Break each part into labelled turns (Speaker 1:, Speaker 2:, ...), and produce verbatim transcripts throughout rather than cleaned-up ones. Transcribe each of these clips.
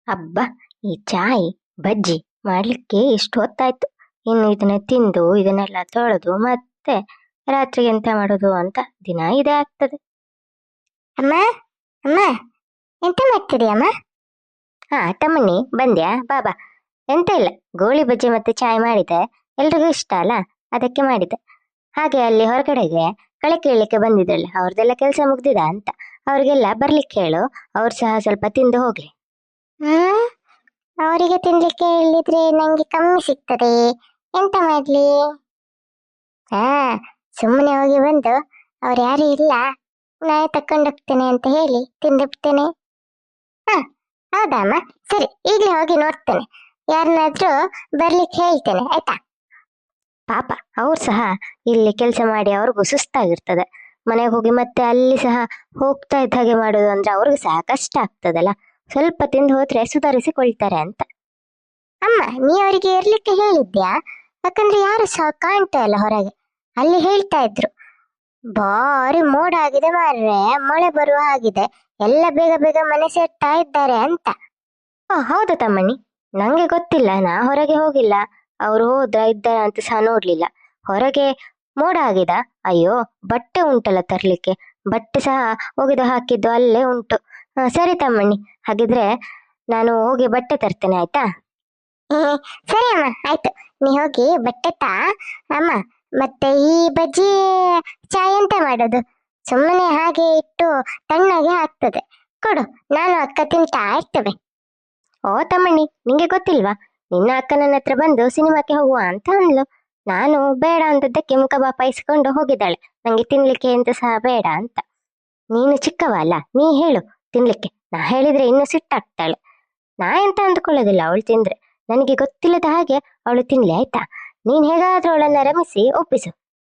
Speaker 1: ಅಬ್ಬ, ಈ ಚಾಯ್ ಬಜ್ಜಿ ಮಾಡ್ಲಿಕ್ಕೆ ಇಷ್ಟು ಹೊತ್ತಾಯ್ತು. ಇನ್ನು ಇದನ್ನ ತಿಂದು ಇದನ್ನೆಲ್ಲ ತೊಳೆದು ಮತ್ತೆ ರಾತ್ರಿಗೆ ಎಂತ ಮಾಡೋದು ಅಂತ ದಿನ ಇದೇ ಆಗ್ತದೆ.
Speaker 2: ಅಮ್ಮ ಅಮ್ಮ ಎಂತ ಮಾಡ್ತೀರಿ ಅಮ್ಮ?
Speaker 1: ಹಾ ತಮ್ಮಣ್ಣಿ, ಬಂದ್ಯಾ? ಬಾಬಾ. ಎಂತ ಇಲ್ಲ, ಗೋಳಿ ಬಜ್ಜಿ ಮತ್ತೆ ಚಾಯ್ ಮಾಡಿದೆ. ಎಲ್ರಿಗೂ ಇಷ್ಟ ಅಲ್ಲ, ಅದಕ್ಕೆ ಮಾಡಿದೆ. ಹಾಗೆ ಅಲ್ಲಿ ಹೊರಗಡೆಗೆ ಕಳೆ ಕೀಳ್ಲಿಕ್ಕೆ ಬಂದಿದ್ರಲ್ಲ, ಅವ್ರದ್ದೆಲ್ಲ ಕೆಲಸ ಮುಗ್ದಿದ ಅಂತ ಅವ್ರಿಗೆಲ್ಲ ಬರ್ಲಿಕ್ಕೆ ಹೇಳು. ಅವ್ರು ಸಹ ಸ್ವಲ್ಪ ತಿಂದು ಹೋಗ್ಲಿ.
Speaker 2: ಹ್ಮ್ ಅವರಿಗೆ ತಿನ್ಲಿಕ್ಕೆ ಹೇಳಿದ್ರೆ ನಂಗೆ ಕಮ್ಮಿ ಸಿಗ್ತದೆ, ಎಂತ ಮಾಡ್ಲಿ? ಹಾ, ಸುಮ್ಮನೆ ಹೋಗಿ ಬಂದು ಅವ್ರು ಯಾರು ಇಲ್ಲ, ನಾನೇ ತಕೊಂಡೋಗ್ತೇನೆ ಅಂತ ಹೇಳಿ ತಿಂದಿರ್ತೇನೆ. ಹಾ, ಹೌದಾ ಅಮ್ಮ? ಸರಿ, ಈಗಲೇ ಹೋಗಿ ನೋಡ್ತೇನೆ, ಯಾರನ್ನಾದ್ರೂ ಬರ್ಲಿಕ್ಕೆ ಹೇಳ್ತೇನೆ, ಆಯ್ತಾ?
Speaker 1: ಪಾಪ, ಅವ್ರು ಸಹ ಇಲ್ಲಿ ಕೆಲಸ ಮಾಡಿ ಅವ್ರಿಗೂ ಸುಸ್ತಾಗಿರ್ತದೆ. ಮನೆಗೆ ಹೋಗಿ ಮತ್ತೆ ಅಲ್ಲಿ ಸಹ ಹೋಗ್ತಾ ಇದ್ದ ಹಾಗೆ ಮಾಡೋದು ಅಂದ್ರೆ ಅವ್ರಿಗೂ ಸಹ ಕಷ್ಟ ಆಗ್ತದಲ್ಲ. ಸ್ವಲ್ಪ ತಿಂದು ಹೋದ್ರೆ ಸುಧಾರಿಸಿಕೊಳ್ತಾರೆ ಅಂತ.
Speaker 2: ಅಮ್ಮ, ನೀ ಅವರಿಗೆ ಇರ್ಲಿಕ್ಕೆ ಹೇಳಿದ್ಯಾ? ಯಾಕಂದ್ರೆ ಯಾರು ಸಹ ಕಾಣ್ತಾ ಇಲ್ಲ ಹೊರಗೆ. ಅಲ್ಲಿ ಹೇಳ್ತಾ ಇದ್ರು, ಭಾರಿ ಮೋಡ ಆಗಿದೆ ಮಾರ್ರೆ, ಮಳೆ ಬರುವ ಹಾಗಿದೆ, ಎಲ್ಲ ಬೇಗ ಬೇಗ ಮನೆ ಸೇರ್ತಾ ಇದ್ದಾರೆ ಅಂತ.
Speaker 1: ಓ ಹೌದಾ ತಮ್ಮಣ್ಣಿ, ನಂಗೆ ಗೊತ್ತಿಲ್ಲ, ನಾ ಹೊರಗೆ ಹೋಗಿಲ್ಲ. ಅವ್ರು ಹೋದ್ರ ಇದ್ದಾರ ಅಂತ ಸಹ ನೋಡ್ಲಿಲ್ಲ. ಹೊರಗೆ ಮೋಡ ಆಗಿದ? ಅಯ್ಯೋ, ಬಟ್ಟೆ ಉಂಟಲ್ಲ ತರ್ಲಿಕ್ಕೆ, ಬಟ್ಟೆ ಸಹ ಒಗೆದು ಹಾಕಿದ್ದು ಅಲ್ಲೇ ಉಂಟು. ಹ, ಸರಿ ತಮ್ಮಣ್ಣಿ, ಹಾಗಿದ್ರೆ ನಾನು ಹೋಗಿ ಬಟ್ಟೆ ತರ್ತೇನೆ, ಆಯ್ತಾ?
Speaker 2: ಹ್ಮ್ ಸರಿ ಅಮ್ಮ, ಆಯ್ತು, ನೀ ಹೋಗಿ ಬಟ್ಟೆ ತಾ. ಅಮ್ಮ, ಮತ್ತೆ ಈ ಬಜ್ಜಿ ಚಾಯ್ ಎಂತ ಮಾಡೋದು? ಸುಮ್ಮನೆ ಹಾಗೆ ಇಟ್ಟು ತಣ್ಣಗೆ ಆಗ್ತದೆ, ಕೊಡು, ನಾನು ಅಕ್ಕ ತಿಂತಾ ಇರ್ತೇವೆ.
Speaker 1: ಓ ತಮ್ಮಣ್ಣಿ, ನಿಂಗೆ ಗೊತ್ತಿಲ್ವಾ? ನಿನ್ನ ಅಕ್ಕ ನನ್ನ ಹತ್ರ ಬಂದು ಸಿನಿಮಾಕ್ಕೆ ಹೋಗುವ ಅಂತ ಅಂದ್ಲು. ನಾನು ಬೇಡ ಅಂತದ್ದಕ್ಕೆ ಮುಖ ಬಾಪಾಯಿಸ್ಕೊಂಡು ಹೋಗಿದ್ದಾಳೆ, ನಂಗೆ ತಿನ್ಲಿಕ್ಕೆ ಎಂತ ಸಹ ಬೇಡ ಅಂತ. ನೀನು ಚಿಕ್ಕವ ಅಲ್ಲ, ನೀ ಹೇಳು ತಿನ್ಲಿಕ್ಕೆ. ನಾ ಹೇಳಿದ್ರೆ ಇನ್ನು ಸಿಟ್ಟಾಗ್ತಾಳೆ. ನಾ ಎಂತ ಅಂದ್ಕೊಳ್ಳೋದಿಲ್ಲ ಅವಳು ತಿಂದ್ರೆ. ನನಗೆ ಗೊತ್ತಿಲ್ಲದ ಹಾಗೆ ಅವಳು ತಿನ್ಲಿ, ಆಯ್ತಾ? ನೀನ್ ಹೇಗಾದ್ರೂ ಅವಳನ್ನ ರಮಿಸಿ ಒಪ್ಪಿಸು.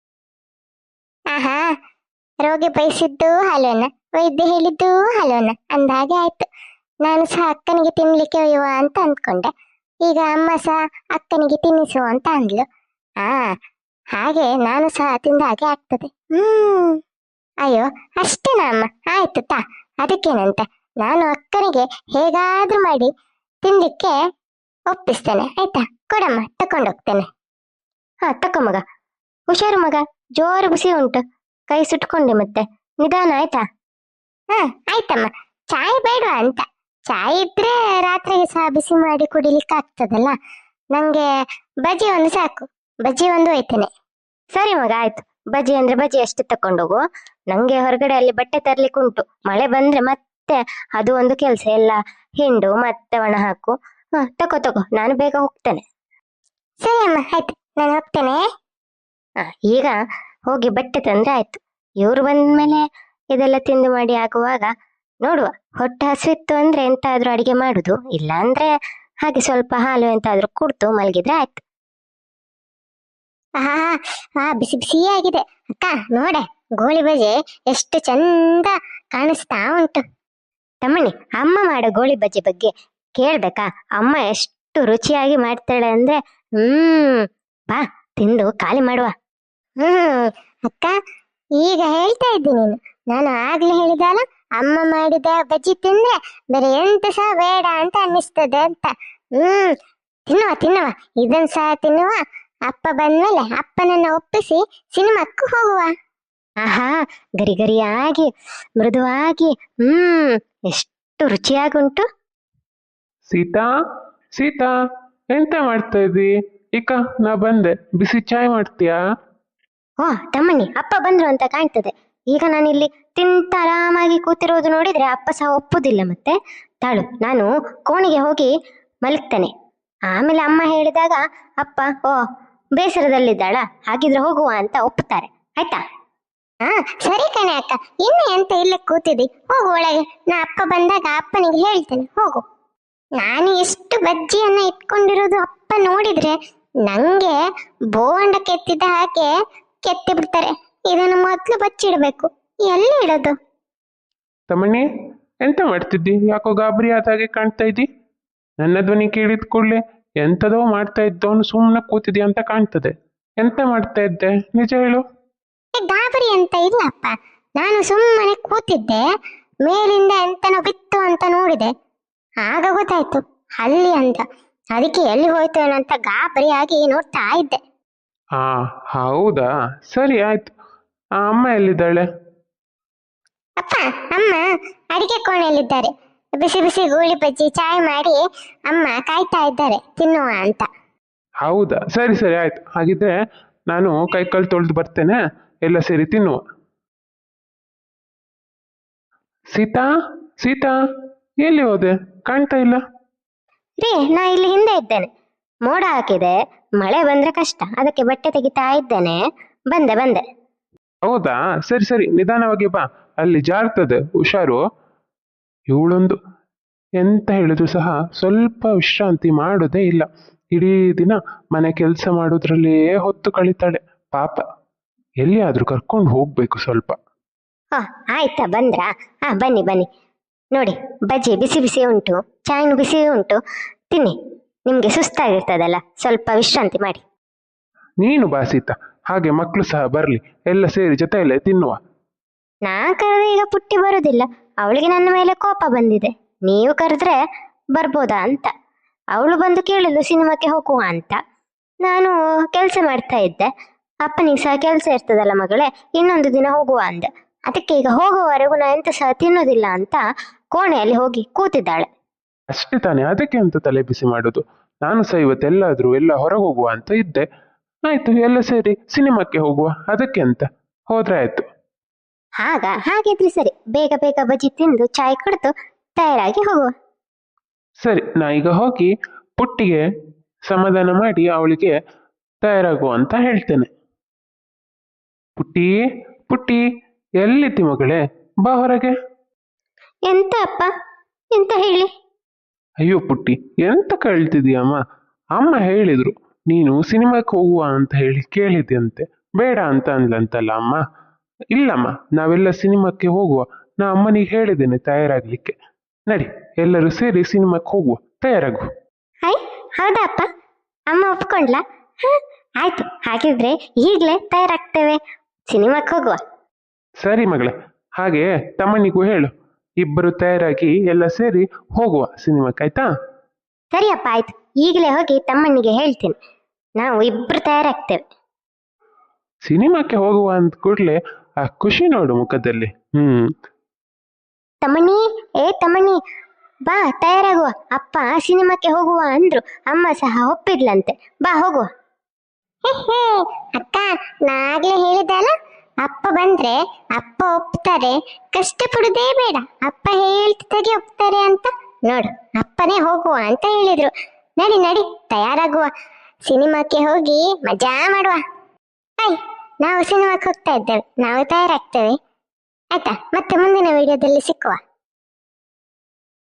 Speaker 2: ಆಹಾ, ರೋಗಿ ಬಯಸಿದ್ದು ಹಲೋನ, ವೈದ್ಯ ಹೇಳಿದ್ದು ಹಲೋನ ಅಂದ ಹಾಗೆ ಆಯ್ತು. ನಾನು ಸಹ ಅಕ್ಕನಿಗೆ ತಿನ್ಲಿಕ್ಕೆ ಒಯ್ಯುವ ಅಂತ ಅಂದ್ಕೊಂಡೆ, ಈಗ ಅಮ್ಮ ಸಹ ಅಕ್ಕನಿಗೆ ತಿನ್ನಿಸುವ ಅಂತ ಅಂದ್ಲು. ಆ ಹಾಗೆ ನಾನು ಸಹ ತಿಂದ ಹಾಗೆ ಆಗ್ತದೆ. ಹ್ಮ್ ಅಯ್ಯೋ, ಅಷ್ಟೇನಾ ಅಮ್ಮ? ಆಯ್ತು ತಾ, ಅದಕ್ಕೇನಂತ. ನಾನು ಅಕ್ಕನಿಗೆ ಹೇಗಾದ್ರೂ ಮಾಡಿ ತಿನ್ಲಿಕ್ಕೆ ಒಪ್ಪಿಸ್ತೇನೆ, ಆಯ್ತಾ? ಕೊಡಮ್ಮ, ತಕೊಂಡೋಗ್ತೇನೆ.
Speaker 1: ಹಾ ತಕೊ ಮಗ, ಹುಷಾರು ಮಗ, ಜೋರು ಬಿಸಿ ಉಂಟು, ಕೈ ಸುಟ್ಕೊಂಡೆ ಮತ್ತೆ. ನಿಧಾನ, ಆಯ್ತಾ?
Speaker 2: ಹಾ ಆಯ್ತಮ್ಮ, ಚಾಯ್ ಬೇಡವಾ ಅಂತ? ಚಾಯ್ ಇದ್ರೆ ರಾತ್ರಿಗೆ ಸಹ ಬಿಸಿ ಮಾಡಿ ಕುಡಿಲಿಕ್ಕೆ ಆಗ್ತದಲ್ಲ. ನಂಗೆ ಬಜ್ಜಿ ಒಂದು ಸಾಕು, ಬಜ್ಜಿ ಒಂದು ಒಯ್ತೇನೆ.
Speaker 1: ಸರಿ ಮಗ, ಆಯ್ತು. ಬಜ್ಜಿ ಅಂದ್ರೆ ಬಜ್ಜಿ ಅಷ್ಟೇ ತಕೊಂಡೋಗು. ನಂಗೆ ಹೊರಗಡೆ ಅಲ್ಲಿ ಬಟ್ಟೆ ತರ್ಲಿಕ್ಕೆ ಉಂಟು. ಮಳೆ ಬಂದ್ರೆ ಮತ್ತೆ ಅದು ಒಂದು ಕೆಲ್ಸ, ಎಲ್ಲ ಹಿಂಡು ಮತ್ತೆ ಒಣ ಹಾಕು. ಹ ತಗೋ ತಗೋ, ನಾನು ಬೇಗ ಹೋಗ್ತೇನೆ.
Speaker 2: ಸರಿ ಅಮ್ಮ, ಆಯ್ತು, ನಾನು ಹೋಗ್ತೇನೆ.
Speaker 1: ಹ ಈಗ ಹೋಗಿ ಬಟ್ಟೆ ತಂದ್ರೆ ಆಯ್ತು. ಇವ್ರು ಬಂದ್ಮೇಲೆ ಇದೆಲ್ಲ ತಿಂದು ಮಾಡಿ ಆಗುವಾಗ ನೋಡುವ. ಹೊಟ್ಟೆ ಹಸಿತ್ತು ಅಂದ್ರೆ ಎಂತಾದ್ರೂ ಅಡಿಗೆ ಮಾಡುದು, ಇಲ್ಲ ಅಂದ್ರೆ ಹಾಗೆ ಸ್ವಲ್ಪ ಹಾಲು ಎಂತಾದ್ರೂ ಕುಡ್ದು ಮಲಗಿದ್ರೆ ಆಯ್ತು.
Speaker 2: ಆಹಾ, ಆ ಬಿಸಿ ಬಿಸಿ ಆಗಿದೆ ಅಕ್ಕ, ನೋಡೆ ಗೋಳಿ ಬಜೆ ಎಷ್ಟು ಚಂದ ಕಾಣಿಸ್ತಾ ಉಂಟು.
Speaker 1: ತಮ್ಮಣ್ಣಿ, ಅಮ್ಮ ಮಾಡೋ ಗೋಳಿ ಬಜ್ಜಿ ಬಗ್ಗೆ ಕೇಳ್ಬೇಕಾ? ಅಮ್ಮ ಎಷ್ಟು ರುಚಿಯಾಗಿ ಮಾಡ್ತಾಳೆ ಅಂದ್ರೆ, ಹ್ಮ್ ಬಾ ತಿಂದು ಖಾಲಿ ಮಾಡುವ.
Speaker 2: ಹ್ಮ್ ಅಕ್ಕ, ಈಗ ಹೇಳ್ತಾ ಇದ್ದಿ ನೀನು. ನಾನು ಆಗ್ಲೇ ಹೇಳಿದಲ್ಲ, ಅಮ್ಮ ಮಾಡಿದ ಬಜ್ಜಿ ತಿಂದ್ರೆ ಬೇರೆ ಎಂತ ಸಹ ಬೇಡ ಅಂತ ಅನ್ನಿಸ್ತದೆ ಅಂತ. ಹ್ಮ್ ತಿನ್ನುವ ತಿನ್ನುವ, ಇದನ್ ಸಹ ತಿನ್ನುವ. ಅಪ್ಪ ಬಂದ್ಮೇಲೆ ಅಪ್ಪನನ್ನ ಒಪ್ಪಿಸಿ ಸಿನಿಮಾಕ್ಕೂ ಹೋಗುವ.
Speaker 1: ಆಹಾ, ಗರಿ ಗರಿಯಾಗಿ ಮೃದುವಾಗಿ, ಹ್ಮ್ ಎಷ್ಟು ರುಚಿಯಾಗುಂಟು.
Speaker 3: ಸೀತಾ, ಸೀತಾ, ಎಂತ ಮಾಡ್ತಾ ಇದ್ದಿ? ಇಕ ನಾ ಬಂದೆ, ಬಿಸಿ ಚಾಯ್ ಮಾಡ್ತೀಯಾ?
Speaker 1: ಓ ತಮ್ಮಣ್ಣಿ, ಅಪ್ಪ ಬಂದ್ರು ಅಂತ ಕಾಣ್ತದೆ. ಈಗ ನಾನಿಲ್ಲಿ ತಿಂತ ಆರಾಮಾಗಿ ಕೂತಿರೋದು ನೋಡಿದ್ರೆ ಅಪ್ಪ ಸಹ ಒಪ್ಪುದಿಲ್ಲ ಮತ್ತೆ. ತಾಳು, ನಾನು ಕೋಣೆಗೆ ಹೋಗಿ ಮಲಗ್ತೇನೆ. ಆಮೇಲೆ ಅಮ್ಮ ಹೇಳಿದಾಗ ಅಪ್ಪ ಓ ಬೇಸರದಲ್ಲಿದ್ದಾಳ, ಹಾಗಿದ್ರೆ ಹೋಗುವ ಅಂತ ಒಪ್ಪುತ್ತಾರೆ, ಆಯ್ತಾ?
Speaker 2: ಹಾ ಸರಿ ಕಣೆ ಅಕ್ಕ, ಇನ್ನು ಎಂತ ಇಲ್ಲೇ ಕೂತಿದ್ದಿ, ಹೋಗು ಒಳಗೆ. ನಾ ಅಪ್ಪ ಬಂದಾಗ ಅಪ್ಪನಿಗೆ ಹೇಳ್ತೇನೆ, ಹೋಗು. ನಾನು ಎಷ್ಟು ಬಜ್ಜಿಯನ್ನ ಇಟ್ಕೊಂಡಿರೋದು ಅಪ್ಪ ನೋಡಿದ್ರೆ ನಂಗೆ ಬೋಂಡ ಕೆತ್ತಿದ ಹಾಗೆ ಕೆತ್ತಿ ಬಿಡ್ತಾರೆ. ಇದನ್ನು ಮೊದ್ಲು ಬಚ್ಚಿಡ್ಬೇಕು, ಎಲ್ಲಿ ಇಡೋದು?
Speaker 3: ತಮ್ಮಣ್ಣಿ, ಎಂತ ಮಾಡ್ತಿದ್ದಿ? ಯಾಕೋ ಗಾಬರಿ ಆದ ಹಾಗೆ ಕಾಣ್ತಾ ಇದ್ದಿ. ನನ್ನ ಧ್ವನಿ ಕೇಳಿದ ಕೂಡಲೇ ಎಂತದೋ ಮಾಡ್ತಾ ಇದ್ದವನು ಸುಮ್ಮನೆ ಕೂತಿದ್ಯಾ ಅಂತ ಕಾಣ್ತದೆ. ಎಂತ ಮಾಡ್ತಾ ಇದ್ದೆ, ನಿಜ ಹೇಳು.
Speaker 2: ಏ, ಗಾಬರಿ ಅಂತ ಇಲ್ಲಪ್ಪ, ನಾನು ಸುಮ್ಮನೆ ಕೂತಿದ್ದೆ. ಮೇಲಿಂದ ಎಂತನೋ ಬಿತ್ತು ಅಂತ ನೋಡಿದೆ, ಆಗ ಗೊತ್ತಾಯ್ತು ಅಲ್ಲಿ ಅಂತ. ಅದಕ್ಕೆ ಎಲ್ಲಿ ಹೋಯ್ತು ಏನೋ ಅಂತ ಗಾಬರಿಯಾಗಿ ನೋಡ್ತಾ ಇದ್ದೆ.
Speaker 3: ಹಾ ಹೌದಾ, ಸರಿ ಆಯ್ತು. ಆ, ಅಮ್ಮ ಎಲ್ಲಿದ್ದಾಳೆ?
Speaker 2: ಅಪ್ಪ ಅಮ್ಮ ಅಡಿಗೆ ಕೋಣೆಯಲ್ಲಿದ್ದಾರೆ. ಬಿಸಿ ಬಿಸಿ ಗೂಳಿ ಬಜ್ಜಿ ಚಾಯ್ ಮಾಡಿ ಅಮ್ಮ ಕಾಯ್ತಾ ಇದ್ದಾರೆ ತಿನ್ನುವ ಅಂತ.
Speaker 3: ಹೌದಾ, ಸರಿ ಸರಿ ಆಯ್ತು. ಹಾಗಿದ್ರೆ ನಾನು ಕೈ ಕಾಲು ತೊಳೆದು ಬರ್ತೇನೆ, ಎಲ್ಲ ಸೇರಿ ತಿನ್ನುವ. ಸೀತಾ, ಸೀತಾ, ಎಲ್ಲಿ ಹೋದೆ? ಕಾಣ್ತಾ ಇಲ್ಲ.
Speaker 1: ರೀ, ನಾ ಇಲ್ಲಿ ಹಿಂದೆ ಇದ್ದೇನೆ. ಮೋಡ ಹಾಕಿದೆ, ಮಳೆ ಬಂದ್ರೆ ಕಷ್ಟ, ಅದಕ್ಕೆ ಬಟ್ಟೆ ತೆಗಿತಾ ಇದ್ದೇನೆ. ಬಂದೆ ಬಂದೆ.
Speaker 3: ಹೌದಾ, ಸರಿ ಸರಿ, ನಿಧಾನವಾಗಿ ಬಾ, ಅಲ್ಲಿ ಜಾರ್ತದೆ, ಹುಷಾರು. ಇವಳೊಂದು ಎಂತ ಹೇಳಿದ್ರು ಸಹ ಸ್ವಲ್ಪ ವಿಶ್ರಾಂತಿ ಮಾಡೋದೇ ಇಲ್ಲ. ಇಡೀ ದಿನ ಮನೆ ಕೆಲಸ ಮಾಡೋದ್ರಲ್ಲೇ ಹೊತ್ತು ಕಳೀತಾಳೆ ಪಾಪ. ಎಲ್ಲಿಯಾದ್ರೂ ಕರ್ಕೊಂಡು ಹೋಗ್ಬೇಕು ಸ್ವಲ್ಪ.
Speaker 1: ಹಾ ಆಯ್ತಾ, ಬಂದ್ರಾ? ಹಾ ಬನ್ನಿ ಬನ್ನಿ. ನೋಡಿ, ಬಜ್ಜಿ ಬಿಸಿ ಬಿಸಿ ಉಂಟು, ಚಾಯ್ನು ಬಿಸಿ ಉಂಟು, ತಿನ್ನಿ. ನಿಮ್ಗೆ ಸುಸ್ತಾಗಿರ್ತದಲ್ಲ, ಸ್ವಲ್ಪ ವಿಶ್ರಾಂತಿ ಮಾಡಿ.
Speaker 3: ನೀನು ಬಾ ಸೀತಾ, ಹಾಗೆ ಮಕ್ಕಳು ಸಹ ಬರ್ಲಿ, ಎಲ್ಲ ಸೇರಿ ಜೊತೆಯಲ್ಲೇ ತಿನ್ನುವ.
Speaker 1: ನಾ ಕರೆದ್ರೆ ಈಗ ಪುಟ್ಟಿ ಬರುದಿಲ್ಲ, ಅವಳಿಗೆ ನನ್ನ ಮೇಲೆ ಕೋಪ ಬಂದಿದೆ. ನೀವು ಕರೆದ್ರೆ ಬರ್ಬೋದಾ ಅಂತ. ಅವಳು ಬಂದು ಕೇಳಿದ್ಲು ಸಿನಿಮಾಕ್ಕೆ ಹೋಗುವ ಅಂತ. ನಾನು ಕೆಲಸ ಮಾಡ್ತಾ ಇದ್ದೆ. ಅಪ್ಪನಿಗೆ ಸಹ ಕೆಲಸ ಇರ್ತದಲ್ಲ ಮಗಳೇ, ಇನ್ನೊಂದು ದಿನ ಹೋಗುವ ಅಂದೆ. ಅದಕ್ಕೆ ಈಗ ಹೋಗುವವರೆಗೂ ನಾ ಎಂತ ಸಹ ತಿನ್ನೋದಿಲ್ಲ ಅಂತ ಕೋಣೆಯಲ್ಲಿ ಹೋಗಿ ಕೂತಿದ್ದಾಳೆ.
Speaker 3: ಅಷ್ಟೇ ತಾನೇ, ಅದಕ್ಕೆ ಅಂತ ತಲೆ ಬಿಸಿ ಮಾಡುದು. ನಾನು ಸಹ ಇವತ್ತೆಲ್ಲಾದ್ರೂ ಎಲ್ಲ ಹೊರಗೆ ಹೋಗುವ ಅಂತ ಇದ್ದೆ. ಆಯ್ತು, ಎಲ್ಲ ಸೇರಿ ಸಿನಿಮಾಕ್ಕೆ ಹೋಗುವ, ಅದಕ್ಕೆ ಅಂತ ಹೋದ್ರೆ ಆಯ್ತು.
Speaker 1: ಆಗ ಹಾಗಿದ್ರೆ ಸರಿ, ಬೇಗ ಬೇಗ ಬಜ್ಜಿ ತಿಂದು ಚಾಯ್ ಕುಡಿದು ತಯಾರಾಗಿ ಹೋಗುವ.
Speaker 3: ಸರಿ, ನಾ ಈಗ ಹೋಗಿ ಪುಟ್ಟಿಗೆ ಸಮಾಧಾನ ಮಾಡಿ ಅವಳಿಗೆ ತಯಾರಾಗುವ ಅಂತ ಹೇಳ್ತೇನೆ. ಪುಟ್ಟಿ, ಪುಟ್ಟಿ, ಎಲ್ಲಿದ್ದಿ ಮಗಳೇ? ಬಾ ಹೊರಗೆ.
Speaker 1: ಎಂತ ಅಪ್ಪ, ಎಂತ ಹೇಳಿ?
Speaker 3: ಅಯ್ಯೋ ಪುಟ್ಟಿ, ಎಂತ ಕೇಳ್ತಿದೀಯಮ್ಮ? ಅಮ್ಮ ಹೇಳಿದ್ರು ನೀನು ಸಿನಿಮಾಕ್ಕೆ ಹೋಗುವ ಅಂತ ಹೇಳಿ ಕೇಳಿದ್ಯಂತೆ, ಬೇಡ ಅಂತ ಅಂದ್ಲಂತಲ್ಲ ಅಮ್ಮ. ಇಲ್ಲಮ್ಮ, ನಾವೆಲ್ಲ ಸಿನಿಮಾಕ್ಕೆ ಹೋಗುವ. ನಾ ಅಮ್ಮನಿಗೆ ಹೇಳಿದ್ದೇನೆ ತಯಾರಾಗ್ಲಿಕ್ಕೆ. ನಡಿ, ಎಲ್ಲರೂ ಸೇರಿ ಸಿನಿಮಾಕ್ಕೆ ಹೋಗುವ, ತಯಾರಾಗು.
Speaker 1: ಹೈ, ಹೌದಾ ಅಪ್ಪ? ಅಮ್ಮ ಒಪ್ಕೊಂಡ್ಲಾ? ಹ, ಆಯ್ತು, ಹಾಗಿದ್ರೆ ಈಗ್ಲೇ ತಯಾರಾಗ್ತೇವೆ, ಸಿನಿಮಾಕ್ಕೆ ಹೋಗುವ.
Speaker 3: ಸರಿ ಮಗಳೇ, ಹಾಗೆ ತಮ್ಮನಿಗೂ ಹೇಳು, ಇಬ್ಬರು ತಯಾರಾಗಿ ಎಲ್ಲ ಸೇರಿ ಹೋಗುವ ಸಿನಿಮಾಕ್ಕೆ, ಆಯ್ತಾ?
Speaker 1: ಸರಿ ಅಪ್ಪ, ಆಯ್ತು. ಈಗಲೇ ಹೋಗಿ ತಮ್ಮನಿಗೆ ಹೇಳ್ತೀನಿ, ನಾವು ಇಬ್ರು ತಯಾರಾಗ್ತೇವೆ.
Speaker 3: ಸಿನಿಮಾಕ್ಕೆ ಹೋಗುವ ಅಂದ ಕೂಡ್ಲೆ ಆ ಖುಷಿ ನೋಡು ಮುಖದಲ್ಲಿ. ಹ್ಮ್
Speaker 1: ತಮ್ಮಣ್ಣಿ, ಏ ತಮ್ಮಣ್ಣಿ, ಬಾ ತಯಾರಾಗುವ. ಅಪ್ಪ ಸಿನಿಮಾಕ್ಕೆ ಹೋಗುವ ಅಂದ್ರು, ಅಮ್ಮ ಸಹ ಒಪ್ಪಿದ್ಲಂತೆ. ಬಾ ಹೋಗುವ.
Speaker 2: ಹೇ ಹೇ ಅಕ್ಕ, ನಾಗ್ಲೇ ಹೇಳಿದೆ ಅಲ್ಲ, ಅಪ್ಪ ಬಂದ್ರೆ ಅಪ್ಪ ಒಪ್ತಾರೆ, ಕಷ್ಟ ಪಡುದೇ ಬೇಡ. ಅಪ್ಪ ಹೇಳ್ತಿದ್ದಾಗೆ ಒಪ್ತಾರೆ ಅಂತ. ನೋಡು, ಅಪ್ಪನೇ ಹೋಗುವ ಅಂತ ಹೇಳಿದ್ರು. ನಡಿ ನಡಿ, ತಯಾರಾಗುವ, ಸಿನಿಮಾಕ್ಕೆ ಹೋಗಿ ಮಜಾ ಮಾಡುವ. ಆಯ್, ನಾವು ಸಿನಿಮಾಕ್ಕೆ ಹೋಗ್ತಾ ಇದ್ದೇವೆ, ನಾವು ತಯಾರಾಗ್ತೇವೆ, ಆಯ್ತಾ? ಮತ್ತೆ ಮುಂದಿನ ವಿಡಿಯೋದಲ್ಲಿ ಸಿಕ್ಕುವ.